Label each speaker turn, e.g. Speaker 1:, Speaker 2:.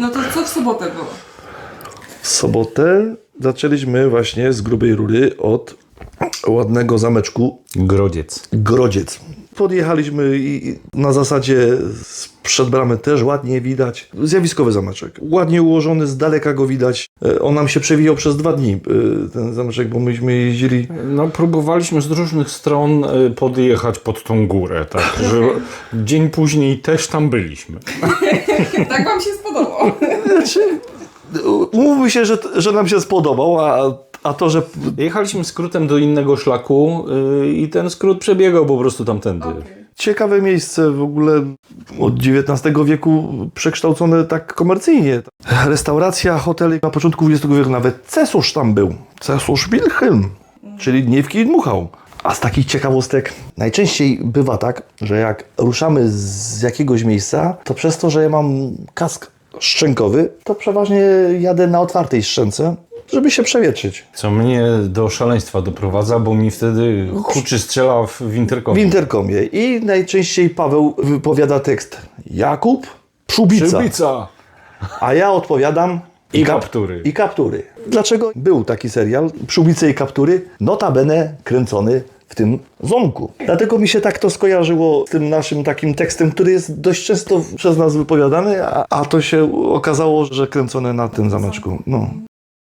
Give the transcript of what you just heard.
Speaker 1: No to co w sobotę było?
Speaker 2: W sobotę zaczęliśmy właśnie z grubej rury od ładnego zameczku Grodziec. Podjechaliśmy i na zasadzie sprzed bramy też ładnie widać. Zjawiskowy zameczek. Ładnie ułożony, z daleka go widać. On nam się przewijał przez 2 dni, ten zameczek, bo myśmy jeździli.
Speaker 3: No, próbowaliśmy z różnych stron podjechać pod tą górę, tak, że dzień później też tam byliśmy.
Speaker 1: Tak wam się spodobał?
Speaker 2: Znaczy, umówmy się, że nam się spodobał, a to, że
Speaker 3: Jechaliśmy skrótem do innego szlaku i ten skrót przebiegał po prostu tamtędy.
Speaker 2: ciekawe miejsce w ogóle od XIX wieku przekształcone tak komercyjnie. Restauracja, hotele na początku XX wieku, nawet cesarz tam był. Cesarz Wilhelm, czyli Gniewki i dmuchał. A z takich ciekawostek najczęściej bywa tak, że jak ruszamy z jakiegoś miejsca, to przez to, że ja mam kask szczękowy, to przeważnie jadę na otwartej szczęce, żeby się przewietrzyć.
Speaker 3: Co mnie do szaleństwa doprowadza, bo mi wtedy huczy strzela w interkomie.
Speaker 2: W interkomie. I najczęściej Paweł wypowiada tekst Jakub, Przyłbica.
Speaker 3: Przyłbica!
Speaker 2: A ja odpowiadam
Speaker 3: I kaptury.
Speaker 2: I kaptury. Dlaczego był taki serial Przyłbice i kaptury? Notabene kręcony w tym zamku. Dlatego mi się tak to skojarzyło z tym naszym takim tekstem, który jest dość często przez nas wypowiadany, a to się okazało, że kręcone na tym zameczku. No.